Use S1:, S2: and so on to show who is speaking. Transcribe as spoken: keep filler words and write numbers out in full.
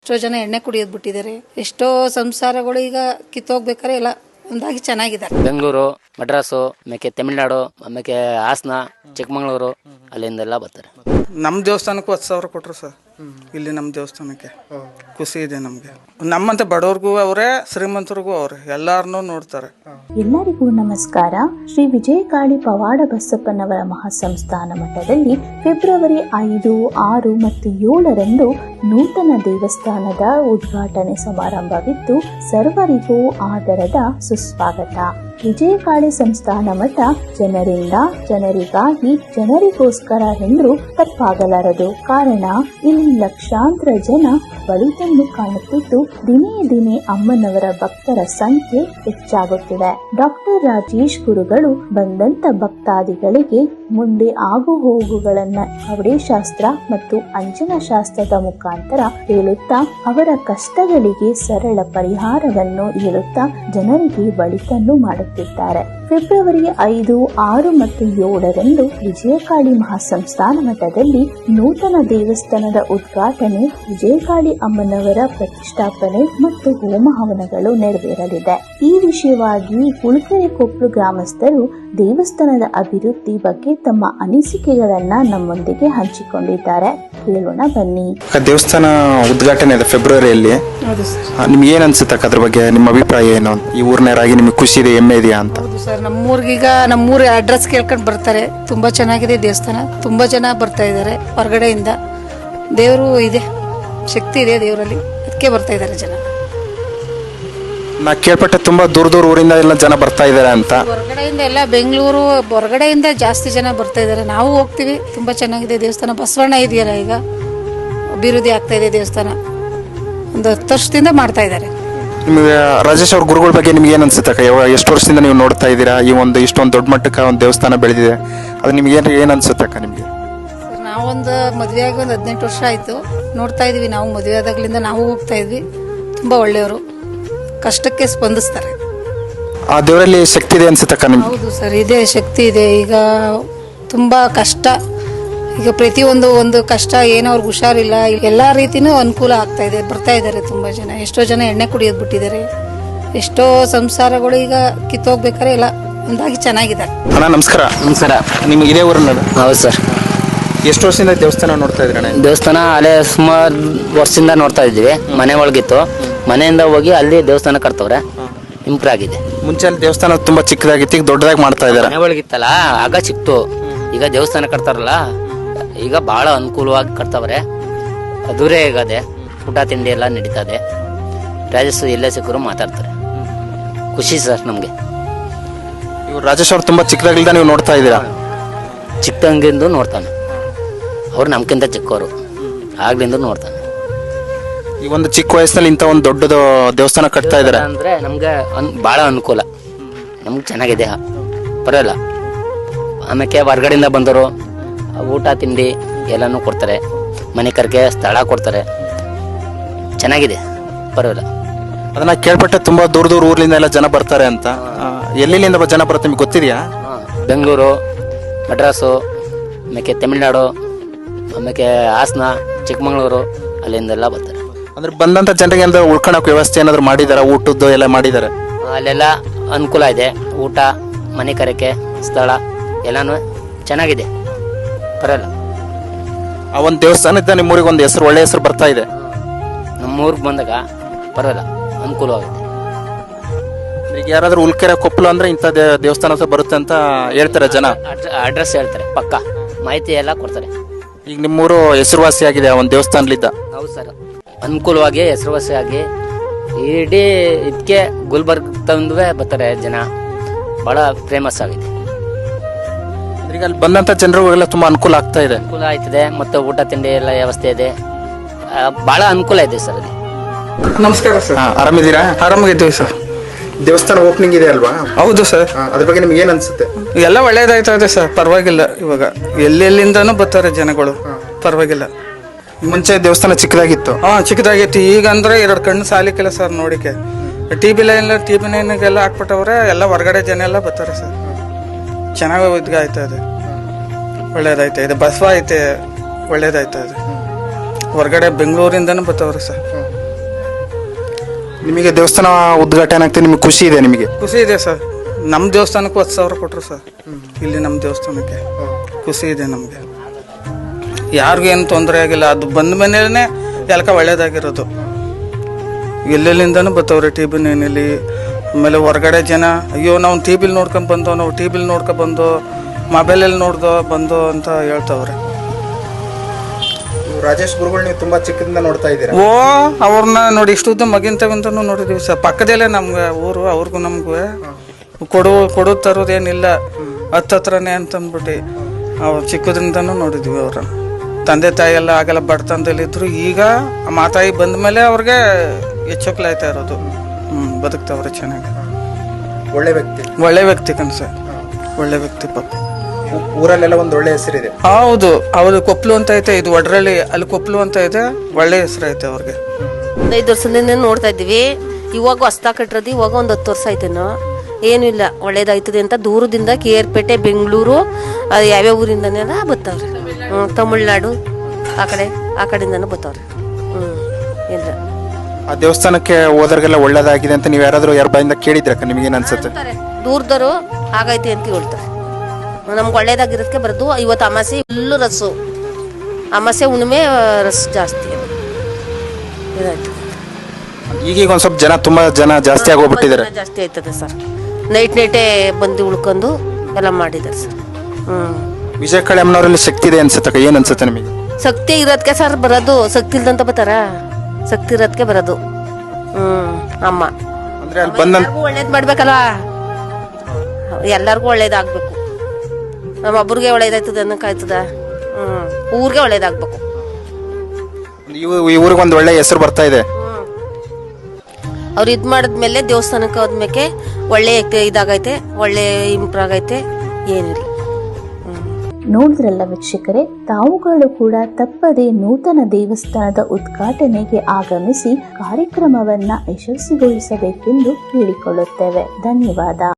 S1: ಎಷ್ಟೋ ಜನ ಎಣ್ಣೆ ಕುಡಿಯೋದು ಬಿಟ್ಟಿದ್ದಾರೆ. ಎಷ್ಟೋ ಸಂಸಾರಗಳು ಈಗ ಕಿತ್ತೋಗ್ಬೇಕಾರೆ ಎಲ್ಲ ಒಂದಾಗಿ ಚೆನ್ನಾಗಿದ್ದಾರೆ.
S2: ಬೆಂಗಳೂರು, ಮಡ್ರಾಸು, ಆಮೇಲೆ ತಮಿಳ್ನಾಡು, ಆಮೇಲೆ ಹಾಸನ, ಚಿಕ್ಕಮಗಳೂರು ಅಲ್ಲಿಂದೆಲ್ಲ ಬರ್ತಾರೆ.
S3: ನಮ್ಮ ದೇವಸ್ಥಾನಕ್ಕೂ ಹತ್ತು ಸಾವಿರ ಕೊಟ್ಟರು ಸರ್. ಇಲ್ಲಿ ನಮ್ಮ ದೇವಸ್ಥಾನಕ್ಕೆ ಖುಷಿ ಇದೆ ನಮಗೆ. ನಮ್ಮಂತೆ ಬಡವ್ರಿಗೂ ಅವರೇ, ಶ್ರೀಮಂತರಿಗೂ ಅವರೇ, ಎಲ್ಲಾರನ್ನೂ ನೋಡ್ತಾರೆ.
S4: ಎಲ್ಲರಿಗೂ ನಮಸ್ಕಾರ. ಶ್ರೀ ವಿಜಯಕಾಳಿ ಪವಾಡ ಬಸಪ್ಪನವರ ಮಹಾಸಂಸ್ಥಾನ ಮಠದಲ್ಲಿ ಫೆಬ್ರವರಿ ಐದು, ಆರು ಮತ್ತು ಏಳರಂದು ನೂತನ ದೇವಸ್ಥಾನದ ಉದ್ಘಾಟನೆ ಸಮಾರಂಭವಿದ್ದು ಸರ್ವರಿಗೂ ಆದರದ ಸುಸ್ವಾಗತ. ವಿಜಯಕಾಳಿ ಸಂಸ್ಥಾನ ಮಠ ಜನರಿಂದ, ಜನರಿಗಾಗಿ, ಜನರಿಗೋಸ್ಕರ ಎಂದರೂ ತಪ್ಪಾಗಲಾರದು. ಕಾರಣ ಇಲ್ಲಿ ಲಕ್ಷಾಂತರ ಜನ ಬಳಿತನ್ನು ಕಾಣುತ್ತಿದ್ದು ದಿನೇ ದಿನೇ ಅಮ್ಮನವರ ಭಕ್ತರ ಸಂಖ್ಯೆ ಹೆಚ್ಚಾಗುತ್ತಿದೆ. ಡಾಕ್ಟರ್ ರಾಜೇಶ್ ಗುರುಗಳು ಬಂದಂತ ಭಕ್ತಾದಿಗಳಿಗೆ ಮುಂದೆ ಆಗು ಹೋಗುಗಳನ್ನ ಕವಡೆಶಾಸ್ತ್ರ ಮತ್ತು ಅಂಜನ ಶಾಸ್ತ್ರದ ಮುಖಾಂತರ ಹೇಳುತ್ತಾ ಅವರ ಕಷ್ಟಗಳಿಗೆ ಸರಳ ಪರಿಹಾರವನ್ನು ಹೇಳುತ್ತಾ ಜನರಿಗೆ ಬಳಿತನ್ನು ಮಾಡುತ್ತಿದ್ದಾರೆ. ಫೆಬ್ರವರಿ ಐದು, ಆರು ಮತ್ತು ಏಳರಂದು ವಿಜಯಕಾಳಿ ಮಹಾಸಂಸ್ಥಾನ ಮಠದಲ್ಲಿ ನೂತನ ದೇವಸ್ಥಾನದ ಉದ್ಘಾಟನೆ, ವಿಜಯಕಾಳಿ ಅಮ್ಮನವರ ಪ್ರತಿಷ್ಠಾಪನೆ ಮತ್ತು ಹೋಮ ಹವನಗಳು ನೆರವೇರಲಿದೆ. ಈ ವಿಷಯವಾಗಿ ಹುಳಕೆರೆ ಕೊಪ್ಪಲು ಗ್ರಾಮಸ್ಥರು ದೇವಸ್ಥಾನದ ಅಭಿವೃದ್ಧಿ ಬಗ್ಗೆ ತಮ್ಮ ಅನಿಸಿಕೆಗಳನ್ನ ನಮ್ಮೊಂದಿಗೆ ಹಂಚಿಕೊಂಡಿದ್ದಾರೆ. ಕೇಳೋಣ ಬನ್ನಿ.
S5: ದೇವಸ್ಥಾನ ಉದ್ಘಾಟನೆ ಇದೆ ಫೆಬ್ರವರಿಯಲ್ಲಿ. ನಿಮ್ಗೆ ಏನ್ ಅನ್ಸುತ್ತೆ ಅದ್ರ ಬಗ್ಗೆ? ನಿಮ್ಮ ಅಭಿಪ್ರಾಯ ಏನು? ಈ ಊರಿನರಾಗಿ ನಿಮ್ಗೆ ಖುಷಿ ಇದೆ, ಹೆಮ್ಮೆ ಇದೆಯಾ ಅಂತ?
S1: ಸರ್, ನಮ್ಮೂರ್ಗೀಗ ನಮ್ಮೂರ ಅಡ್ರೆಸ್ ಕೇಳ್ಕೊಂಡು ಬರ್ತಾರೆ. ತುಂಬಾ ಚೆನ್ನಾಗಿದೆ ದೇವಸ್ಥಾನ. ತುಂಬಾ ಜನ ಬರ್ತಾ ಇದ್ದಾರೆ ಹೊರಗಡೆಯಿಂದ. ದೇವರು ಇದೆ, ಶಕ್ತಿ ಇದೆ ದೇವರಲ್ಲಿ, ಅದಕ್ಕೆ ಬರ್ತಾ ಇದ್ದಾರೆ ಜನ.
S5: ನಾ ಕೇಳ್ಪಟ್ಟೆ ತುಂಬಾ ದೂರ ದೂರ ಊರಿಂದ ಎಲ್ಲ ಜನ ಬರ್ತಾ ಇದಾರೆ ಅಂತ.
S1: ಹೊರಗಡೆಯಿಂದ ಎಲ್ಲ ಬೆಂಗಳೂರು ಹೊರಗಡೆಯಿಂದ ಜಾಸ್ತಿ ಜನ ಬರ್ತಾ ಇದ್ದಾರೆ. ನಾವು ಹೋಗ್ತೀವಿ. ತುಂಬಾ ಚೆನ್ನಾಗಿದೆ ದೇವಸ್ಥಾನ. ಬಸವಣ್ಣ ಇದೆಯಲ್ಲ, ಈಗ ಅಭಿವೃದ್ಧಿ ಆಗ್ತಾ ಇದೆ ದೇವಸ್ಥಾನ. ಒಂದು ಹತ್ತು ವರ್ಷದಿಂದ ಮಾಡ್ತಾ ಇದ್ದಾರೆ.
S5: ನಿಮಗೆ ರಾಜೇಶ್ ಅವ್ರ ಗುರುಗಳ ಬಗ್ಗೆ ನಿಮ್ಗೆ ಏನ್ ಅನ್ಸುತ್ತೆ? ಎಷ್ಟು ವರ್ಷದಿಂದ ನೀವು ನೋಡ್ತಾ ಇದ್ದೀರಾ ಈ ಒಂದು ಇಷ್ಟೊಂದು ದೊಡ್ಡ ಮಟ್ಟಕ್ಕೆ ಒಂದು ದೇವಸ್ಥಾನ ಬೆಳೆದಿದೆ, ಅದು ನಿಮ್ಗೆ ಏನ್ ಏನ್ ಅನ್ಸುತ್ತೆ ಅಕ್ಕ ನಿಮ್ಗೆ?
S1: ಸರ್, ನಾವೊಂದು ಮದುವೆ ಆಗಿ ಒಂದು ಹದಿನೆಂಟು ವರ್ಷ ಆಯ್ತು. ನೋಡ್ತಾ ಇದೀವಿ. ನಾವು ಮದುವೆ ಆದಾಗ್ಲಿಂದ ನಾವು ಹೋಗ್ತಾ ಇದ್ವಿ. ತುಂಬಾ ಒಳ್ಳೆಯವರು, ಕಷ್ಟಕ್ಕೆ ಸ್ಪಂದಿಸ್ತಾರೆ.
S5: ಆ ದೇವರಲ್ಲಿ ಶಕ್ತಿ ಇದೆ ಅನ್ಸುತ್ತಕ್ಕ ನಿಮ್ಗೆ?
S1: ಹೌದು ಸರ್, ಇದೆ, ಶಕ್ತಿ ಇದೆ. ಈಗ ತುಂಬಾ ಕಷ್ಟ, ಈಗ ಪ್ರತಿಯೊಂದು ಒಂದು ಕಷ್ಟ, ಏನೋ ಅವ್ರಿಗೆ ಹುಷಾರಿಲ್ಲ, ಎಲ್ಲಾ ರೀತಿನೂ ಅನುಕೂಲ ಆಗ್ತಾ ಇದೆ. ಬರ್ತಾ ಇದ್ದಾರೆ ತುಂಬಾ ಜನ. ಎಷ್ಟೋ ಜನ ಎಣ್ಣೆ ಕುಡಿಯೋದು ಬಿಟ್ಟಿದ್ದಾರೆ. ಎಷ್ಟೋ ಸಂಸಾರಗಳು ಈಗ ಕಿತ್ತೋಗ್ಬೇಕಾರೆ ಎಲ್ಲ ಒಂದಾಗಿ ಚೆನ್ನಾಗಿದ್ದಾರೆ.
S5: ಅಣ್ಣ ನಮಸ್ಕಾರ.
S2: ನಮಸ್ಕಾರ.
S5: ನಿಮ್ಗೆ ಇದೇ ಊರಿನ?
S2: ಹೌದು ಸರ್.
S5: ಎಷ್ಟು ವರ್ಷದಿಂದ ದೇವಸ್ಥಾನ ನೋಡ್ತಾ ಇದ್ರಣ್ಣ?
S2: ದೇವಸ್ಥಾನ ಅಲ್ಲೇ ಸುಮಾರು ವರ್ಷದಿಂದ ನೋಡ್ತಾ ಇದ್ವಿ. ಮನೆ ಒಳಗಿತ್ತು, ಮನೆಯಿಂದ ಹೋಗಿ ಅಲ್ಲಿ ದೇವಸ್ಥಾನ ಕಟ್ತವ್ರೆ, ಇಂಪ್ರೂವ್ ಆಗಿದೆ. ಮುಂಚೆ
S5: ಅಲ್ಲಿ ದೇವಸ್ಥಾನ ತುಂಬಾ ಚಿಕ್ಕದಾಗಿತ್ತು, ಈಗ ದೊಡ್ಡದಾಗಿ ಮಾಡ್ತಾ ಇದ್ದಾರೆ.
S2: ಮನೆ ಒಳಗಿತ್ತಲ್ಲ ಆಗ ಚಿಕ್ತು, ಈಗ ದೇವಸ್ಥಾನ ಕಟ್ತಾರಲ್ಲ ಈಗ ಬಹಳ ಅನುಕೂಲವಾಗಿ ಕಟ್ತವ್ರೆ. ಅದುರೇ ಆಗದೆ, ಊಟ ತಿಂಡಿ ಎಲ್ಲ ನಡೀತದೆ. ರಾಜೇಶ್ ಎಲ್ಲೇ ಸಿಕ್ಕರು ಮಾತಾಡ್ತಾರೆ. ಖುಷಿ ಸರ್ ನಮ್ಗೆ.
S5: ಇವ್ರು ರಾಜೇಶ್ ಅವ್ರು ತುಂಬಾ ಚಿಕ್ಕದಾಗಿಲ್ದ ನೀವು ನೋಡ್ತಾ ಇದ್ದೀರಾ?
S2: ಚಿಕ್ಕಂಗಿಂದು ನೋಡ್ತಾನೆ. ಅವ್ರು ನಮ್ಗಿಂತ ಚಿಕ್ಕವರು, ಆಗ್ಲಿಂದ ನೋಡ್ತಾನೆ.
S5: ಈ ಒಂದು ಚಿಕ್ಕ ವಯಸ್ಸಿನಲ್ಲಿ ಇಂಥ ಒಂದು ದೊಡ್ಡದು ದೇವಸ್ಥಾನ ಕಟ್ತಾ ಇದ್ದಾರೆ
S2: ಅಂದ್ರೆ ನಮ್ಗೆ ಬಹಳ ಅನುಕೂಲ. ನಮ್ಗೆ ಚೆನ್ನಾಗಿದೆ, ಪರವಾಗಿಲ್ಲ. ಆಮೇಲೆ ಹೊರ್ಗಡೆಯಿಂದ ಬಂದರು ಊಟ ತಿಂಡಿ ಎಲ್ಲನೂ ಕೊಡ್ತಾರೆ. ಮನೆ ಕರ್ಗೆ ಸ್ಥಳ ಕೊಡ್ತಾರೆ. ಚೆನ್ನಾಗಿದೆ, ಪರವಾಗಿಲ್ಲ.
S5: ಅದನ್ನ ಕೇಳ್ಪಟ್ಟೆ ತುಂಬಾ ದೂರ ದೂರ ಊರ್ಲಿಂದ ಎಲ್ಲ ಜನ ಬರ್ತಾರೆ ಅಂತ. ಎಲ್ಲಿಂದ ಜನ ಬರುತ್ತೆ ನಿಮ್ಗೆ ಗೊತ್ತಿದೆಯಾ?
S2: ಬೆಂಗಳೂರು, ಮಡ್ರಾಸು, ಆಮೇಲೆ ತಮಿಳ್ನಾಡು, ಆಮೇಲೆ ಹಾಸನ, ಚಿಕ್ಕಮಗಳೂರು ಅಲ್ಲಿಂದೆಲ್ಲ ಬರ್ತಾರೆ.
S5: ಅಂದ್ರೆ ಬಂದಂತ ಜನರಿಗೆ ಏನಾದ್ರು ಉಳ್ಕೊಳಕ್ ವ್ಯವಸ್ಥೆ ಏನಾದ್ರು ಮಾಡಿದಾರ? ಊಟದ್ದು ಎಲ್ಲ ಮಾಡಿದಾರೆ?
S2: ಅಲ್ಲೆಲ್ಲ ಅನುಕೂಲ ಇದೆ. ಊಟ, ಮನೆ ಕರೆಕೆ, ಸ್ಥಳ ಎಲ್ಲಾನು ಚೆನ್ನಾಗಿದೆ, ಪರವಾಗಿಲ್ಲ.
S5: ಆ ಒಂದು ದೇವಸ್ಥಾನದ ನಿಮ್ಮೂರಿಗೆ ಒಂದು ಹೆಸರು, ಒಳ್ಳೆ ಹೆಸರು ಬರ್ತಾ ಇದೆ.
S2: ನಮ್ಮೂರಿಗೆ ಬಂದಾಗ ಪರವಾಗಿಲ್ಲ, ಅನುಕೂಲವಾಗಿದೆ.
S5: ಈಗ ಯಾರಾದ್ರೂ ಉಳ್ಕೆರೆ ಕೊಪ್ಪಲು ಅಂದ್ರೆ ಇಂಥ ದೇವಸ್ಥಾನ ಬರುತ್ತೆ ಅಂತ ಹೇಳ್ತಾರೆ ಜನ.
S2: ಅಡ್ರೆಸ್ ಹೇಳ್ತಾರೆ, ಪಕ್ಕ ಮಾಹಿತಿ ಎಲ್ಲ ಕೊಡ್ತಾರೆ.
S5: ಈಗ ನಿಮ್ಮೂರು ಹೆಸರುವಾಸಿ ಆಗಿದೆ ಆ ಒಂದು ದೇವಸ್ಥಾನಲಿದ್ದ.
S2: ಹೌದು ಸರ್, ಅನುಕೂಲವಾಗಿ ಹೆಸರುವಾಸಿಯಾಗಿ ಇಡೀ ಇದಕ್ಕೆ ಗುಲ್ಬರ್ಗ್ ತಂದುವೆ ಬರ್ತಾರೆ ಜನ. ಬಹಳ ಫೇಮಸ್ ಆಗಿದೆ.
S5: ಈಗ ಅಲ್ಲಿ ಬಂದಂತ ಜನರಿಗೆಲ್ಲ ತುಂಬಾ ಅನುಕೂಲ ಆಗ್ತಾ ಇದೆ.
S2: ಅನುಕೂಲ ಆಯ್ತದೆ, ಮತ್ತೆ ಊಟ ತಿಂಡಿ ಎಲ್ಲ ವ್ಯವಸ್ಥೆ ಇದೆ. ಬಹಳ ಅನುಕೂಲ ಇದೆ ಸರ್ ಅಲ್ಲಿ.
S3: ನಮಸ್ಕಾರ ಸರ್.
S5: ಆರಾಮಿದ್ದೀರಾ?
S3: ಆರಾಮಾಗಿದ್ದೀವಿ ಸರ್.
S5: ದೇವಸ್ಥಾನ ಓಪನಿಂಗ್ ಇದೆ ಅಲ್ವಾ?
S3: ಹೌದು ಸರ್.
S5: ಅದ್ರ ಬಗ್ಗೆ ನಿಮ್ಗೆ ಏನ್ ಅನ್ಸುತ್ತೆ?
S3: ಎಲ್ಲ ಒಳ್ಳೇದಾಯ್ತಾ ಇದೆ ಸರ್, ಪರವಾಗಿಲ್ಲ. ಇವಾಗ ಎಲ್ಲೆಲ್ಲಿಂದಾನು ಬರ್ತಾರೆ ಜನಗಳು, ಪರವಾಗಿಲ್ಲ.
S5: ಮುಂಚೆ ದೇವಸ್ಥಾನ ಚಿಕ್ಕದಾಗಿತ್ತು.
S3: ಹಾ, ಚಿಕ್ಕದಾಗಿತ್ತು. ಈಗ ಅಂದ್ರೆ ಎರಡು ಕಣ್ಣು ಸಾಲಿಕ್ಕಿಲ್ಲ ಸರ್ ನೋಡಿಕೆ. T B line T B ಲೈನ್ಗೆಲ್ಲ ಹಾಕ್ಬಿಟ್ಟವ್ರೆ. ಎಲ್ಲ ಹೊರಗಡೆ ಜನ ಎಲ್ಲ ಬರ್ತಾರೆ ಸರ್. ಚೆನ್ನಾಗಿ ಇದ್ಗ ಆಯ್ತಾ ಇದೆ, ಒಳ್ಳೇದಾಯ್ತಾ ಇದೆ. ಬಸವ ಐತೆ, ಒಳ್ಳೇದಾಯ್ತಾ ಇದೆ. ಹೊರಗಡೆ ಬೆಂಗಳೂರಿಂದನೂ ಬರ್ತಾವ್ರಿ ಸರ್.
S5: ನಿಮಗೆ ದೇವಸ್ಥಾನ ಉದ್ಘಾಟನೆ ಆಗ್ತದೆ, ನಿಮಗೆ ಖುಷಿ ಇದೆ? ನಿಮಗೆ
S3: ಖುಷಿ ಇದೆ ಸರ್. ನಮ್ಮ ದೇವಸ್ಥಾನಕ್ಕೂ ಹತ್ತು ಸಾವಿರ ಕೊಟ್ಟರು ಸರ್. ಇಲ್ಲಿ ನಮ್ಮ ದೇವಸ್ಥಾನಕ್ಕೆ ಖುಷಿ ಇದೆ ನಮಗೆ. ಯಾರಿಗೂ ಏನು ತೊಂದರೆ ಆಗಿಲ್ಲ. ಅದು ಬಂದ ಮನೇಲೇ ಎಲ್ಕ ಒಳ್ಳೇದಾಗಿರೋದು. ಎಲ್ಲೆಲ್ಲಿಂದನೂ ಬರ್ತಾವ್ರೆ ಟಿ ಬಿ ನೈನಲ್ಲಿ. ಆಮೇಲೆ ಹೊರಗಡೆ ಜನ ಅಯ್ಯೋ ನಾವು ಟಿ ಬಿಲಿ ನೋಡ್ಕೊಂಡು ಬಂದೋ, ನಾವು ಟಿ ಬಿಲಿ ನೋಡ್ಕೊ ಬಂದೋ, ಮೊಬೈಲಲ್ಲಿ ನೋಡ್ದೋ ಬಂದೋ ಅಂತ ಹೇಳ್ತಾವ್ರೆ.
S5: ರಾಜೇಶ್ ಗುರುಗಳು ನೀವು ತುಂಬಾ ಚಿಕ್ಕದಿಂದ ನೋಡ್ತಾ ಇದ್ದೀರಾ?
S3: ಓ ಅವ್ರನ್ನ ನೋಡಿ ಇಷ್ಟುದ್ದ ಮಗಿಂತವಿಂತನೂ ನೋಡಿದೀವಿ ಸರ್. ಪಕ್ಕದಲ್ಲೇ ನಮ್ಗೆ ಊರು, ಅವ್ರಿಗೂ ನಮಗೂ ಕೊಡು ಕೊಡು ತರೋದೇನಿಲ್ಲ, ಹತ್ತತ್ರನೇ ಅಂತಂದ್ಬಿಟ್ಟು ಅವ್ರು ಚಿಕ್ಕದ್ರಿಂದನೂ ನೋಡಿದ್ವಿ. ಅವ್ರ ತಂದೆ ತಾಯಿ ಎಲ್ಲ ಆಗಲ್ಲ ಬಡತನದಲ್ಲಿದ್ರು. ಈಗ ಆ ಮಾತಾಯಿ ಬಂದ ಮೇಲೆ ಅವ್ರಿಗೆ ಹೆಚ್ಚೋಕ್ಲಾಯ್ತಾ ಇರೋದು. ಹ್ಞೂ ಬದುಕ್ತಾವ್ರೆ ಚೆನ್ನಾಗಿ.
S5: ಒಳ್ಳೆ ವ್ಯಕ್ತಿ,
S3: ಒಳ್ಳೆ ವ್ಯಕ್ತಿ ಕಣ್ ಸರ್, ಒಳ್ಳೆ ವ್ಯಕ್ತಿ ಪಾಪ.
S5: ಊರಲ್ಲೆಲ್ಲ ಒಂದು ಒಳ್ಳೆ ಹೆಸರಿದೆ.
S3: ಹೌದು, ಅವ್ರು ಕೊಪ್ಲು ಅಂತ ಐತೆ, ಇದು ಒಡ್ರಳ್ಳಿ, ಅಲ್ಲಿ ಕೊಪ್ಲು ಅಂತ ಇದೆ. ಒಳ್ಳೆ ಹೆಸರು ಐತೆ ಅವ್ರಿಗೆ.
S6: ಒಂದು ಐದು ವರ್ಷದಿಂದ ನೋಡ್ತಾ ಇದ್ದೀವಿ. ಇವಾಗ ಹೊಸ್ತಾ ಕಟ್ಟಿರೋದು ಇವಾಗ ಒಂದು ಹತ್ತು ವರ್ಷ ಆಯ್ತೇನೋ. ಏನೂ ಇಲ್ಲ, ಒಳ್ಳೇದಾಯ್ತದೆ ಅಂತ ದೂರದಿಂದ ಕೆ ಆರ್ ಪೇಟೆ, ಬೆಂಗಳೂರು, ಅದು ಯಾವ್ಯಾವ ಊರಿಂದನೆಲ್ಲ ಬರ್ತಾವ್ರೆ. ಹ್ಞೂ ತಮಿಳ್ನಾಡು ಆ ಕಡೆ ಆ ಕಡೆಯಿಂದನೂ ಬರ್ತಾವ್ರೆ. ಹ್ಞೂ ಇಲ್ಲ
S5: ಆ ದೇವಸ್ಥಾನಕ್ಕೆ ಹೋದವ್ರಿಗೆಲ್ಲ ಒಳ್ಳೇದಾಗಿದೆ ಅಂತ ನೀವು ಯಾರಾದರೂ ಯಾರ ಬಾಯಿಂದ ಕೇಳಿದ್ರಕ್ಕ? ನಿಮಗೇನು ಅನ್ಸುತ್ತೆ?
S6: ದೂರದವರು ಆಗೈತೆ ಅಂತ ಹೇಳ್ತಾರೆ. ನಮ್ಗೆ ಒಳ್ಳೇದಾಗಿರೋದಕ್ಕೆ ಬರೋದು. ಇವತ್ತು ಅಮಾಸೆ ಫುಲ್ಲು ರಸ್ಸು, ಅಮಾಸೆ ಹುಣ್ಣಿಮೆ ರಸ್ ಜಾಸ್ತಿ ಇದಾಯ್ತು.
S5: ಈಗೀಗ ಒಂದು ಸ್ವಲ್ಪ ಜನ ತುಂಬಾ ಜನ ಜಾಸ್ತಿ ಆಗೋಗ್ಬಿಟ್ಟಿದ್ದಾರೆ.
S6: ಜಾಸ್ತಿ ಆಯ್ತದೆ ಸರ್. ನೈಟ್ ನೈಟೇ ಬಂದು ಉಳ್ಕೊಂಡು ಎಲ್ಲ ಮಾಡಿದ್ದಾರೆ ಸರ್. ಹ್ಮ್
S5: ವಿಜಯ ಕಾಳಿ ಅಮ್ಮನವರಲ್ಲಿ ಶಕ್ತಿ ಇದೆ ಅನ್ಸುತ್ತಕ್ಕ? ಏನ್ ಅನ್ಸುತ್ತೆ ನಿಮಗೆ?
S6: ಶಕ್ತಿ ಇರೋದಕ್ಕೆ ಸರ್ ಬರೋದು. ಶಕ್ತಿ ಇಲ್ದಂತ ಬರ್ತಾರ? ಶಕ್ತಿ ಇರೋದಕ್ಕೆ ಬರೋದು. ಹ್ಮ್ ಅಮ್ಮ
S5: ಅಂದ್ರೆ ಅಲ್ಲಿ ಬಂದ
S6: ಎಲ್ಲರಿಗೂ ಒಳ್ಳೇದ್ ಮಾಡ್ಬೇಕಲ್ವಾ? ಎಲ್ಲರಿಗೂ ಒಳ್ಳೇದಾಗ್ಬೇಕು. ನಮ್ಮ ಒಬ್ರಿಗೆ ಒಳ್ಳೇದಾಯ್ತದ ಅನ್ನಕ್ಕಾಯ್ತದ? ಹ್ಮ್ ಊರಿಗೆ ಒಳ್ಳೇದಾಗ್ಬೇಕು.
S5: ಈ ಊರಿಗೆ ಒಂದು ಒಳ್ಳೆ ಹೆಸರು ಬರ್ತಾ ಇದೆ.
S6: ಅವ್ರು ಇದು ಮಾಡಿದ್ಮೇಲೆ ದೇವಸ್ಥಾನಕ್ಕೆ ಹೋದ್ಮೇಲೆ ಒಳ್ಳೆ ಇದಾಗೈತೆ, ಒಳ್ಳೆ ಇಂಪ್ರೂವ್ ಆಗೈತೆ. ಏನಿಲ್ಲ.
S4: ನೋಡಿದ್ರಲ್ಲ ವೀಕ್ಷಕರೇ, ತಾವುಗಳು ಕೂಡ ತಪ್ಪದೆ ನೂತನ ದೇವಸ್ಥಾನದ ಉದ್ಘಾಟನೆಗೆ ಆಗಮಿಸಿ ಕಾರ್ಯಕ್ರಮವನ್ನ ಯಶಸ್ವಿಗೊಳಿಸಬೇಕೆಂದು ಕೇಳಿಕೊಳ್ಳುತ್ತೇವೆ. ಧನ್ಯವಾದ.